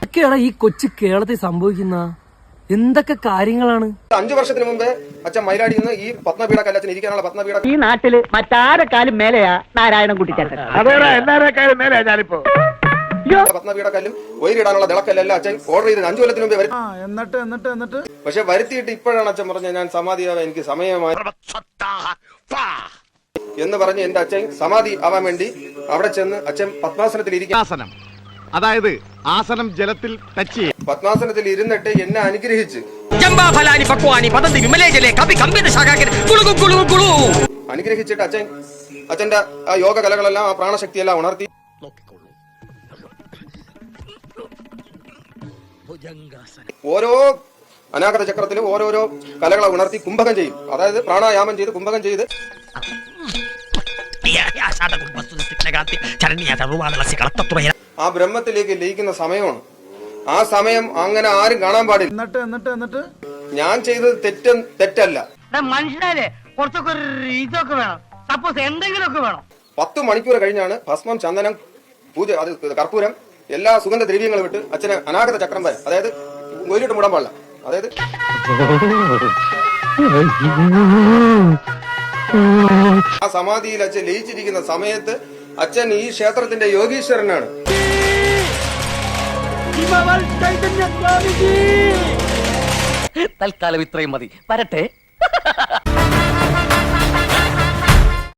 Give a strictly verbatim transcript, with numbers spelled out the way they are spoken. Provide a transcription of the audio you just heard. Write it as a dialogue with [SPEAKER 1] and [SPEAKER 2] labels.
[SPEAKER 1] എന്തൊക്കെയാണ് ഈ കൊച്ചു കേരളത്തിൽ സംഭവിക്കുന്ന എന്തൊക്കെ കാര്യങ്ങളാണ്?
[SPEAKER 2] അഞ്ചു വർഷത്തിന് മുമ്പേ അച്ഛൻ മൈലാടിയിൽ നിന്ന് ഈ പത്മപീഠ കല്ലച്ഛൻ ഇരിക്കാനുള്ള പത്മപീഠ
[SPEAKER 3] ഈ നാട്ടില് മറ്റാരെക്കാളും മേലെയാ നാരായണൻ കുട്ടിച്ചേട്ടൻ.
[SPEAKER 4] എല്ലാരെക്കാളും മേലെയാ ഞാനിപ്പോ.
[SPEAKER 2] പത്മപീഠ കല്ലും ഒയിരിടാനുള്ള തിളക്കല്ലെല്ലാം അച്ഛൻ ഓർഡർ ചെയ്ത് അഞ്ചു കൊല്ലത്തിന് മുമ്പേ വരും.
[SPEAKER 4] എന്നിട്ട് എന്നിട്ട് എന്നിട്ട്
[SPEAKER 2] പക്ഷെ വരുത്തിയിട്ട് ഇപ്പോഴാണ് അച്ഛൻ പറഞ്ഞത് ഞാൻ സമാധിയാവാൻ എനിക്ക് സമയമായി എന്ന് പറഞ്ഞ് എന്റെ അച്ഛൻ സമാധി ആവാൻ വേണ്ടി അവിടെ ചെന്ന് അച്ഛൻ പത്മാസനത്തിൽ ഇരിക്കും.
[SPEAKER 4] അതായത് ആസനം ജലത്തിൽ ടച്ച് ചെയ്യും.
[SPEAKER 2] പത്മാസനത്തിൽ ഇരുന്നിട്ട് എന്നെ അനുഗ്രഹിച്ച് അനുഗ്രഹിച്ചിട്ട് അച്ഛൻ അച്ഛന്റെ ആ യോഗ കലകളെല്ലാം ആ പ്രാണശക്തിയെല്ലാം ഉണർത്തി ഓരോ അനാഗത ചക്രത്തിലും ഓരോരോ കലകളെ ഉണർത്തി കുംഭകം ചെയ്യും. അതായത് പ്രാണായാമം ചെയ്ത് കുംഭകം ചെയ്ത് ആ ബ്രഹ്മത്തിലേക്ക് ലയിക്കുന്ന സമയമാണ്. ആ സമയം അങ്ങനെ ആരും കാണാൻ പാടില്ല.
[SPEAKER 4] എന്നിട്ട് എന്നിട്ട് എന്നിട്ട്
[SPEAKER 2] ഞാൻ ചെയ്തത് തെറ്റ തെറ്റല്ല.
[SPEAKER 3] മനുഷ്യരെ കുറച്ചൊക്കെ ഇതൊക്കെ വേണം, സപ്പോസ് എന്തെങ്കിലുമൊക്കെ വേണം.
[SPEAKER 2] പത്ത് മണിക്കൂർ കഴിഞ്ഞാണ് ഭസ്മം, ചന്ദനം, പൂജ, അത് കർപ്പൂരം, എല്ലാ സുഗന്ധ ദ്രവ്യങ്ങളും വിട്ട് അച്ഛന് അനാഗത ചക്രം വരെ, അതായത് ഒരിട്ട് മുടാൻ പാടില്ല. അതായത് ആ സമാധിയിൽ അച്ഛൻ ലയിച്ചിരിക്കുന്ന സമയത്ത് അച്ഛൻ ഈ ക്ഷേത്രത്തിന്റെ യോഗീശ്വരനാണ്.
[SPEAKER 3] തൽക്കാലം ഇത്രയും മതി. വരട്ടെ.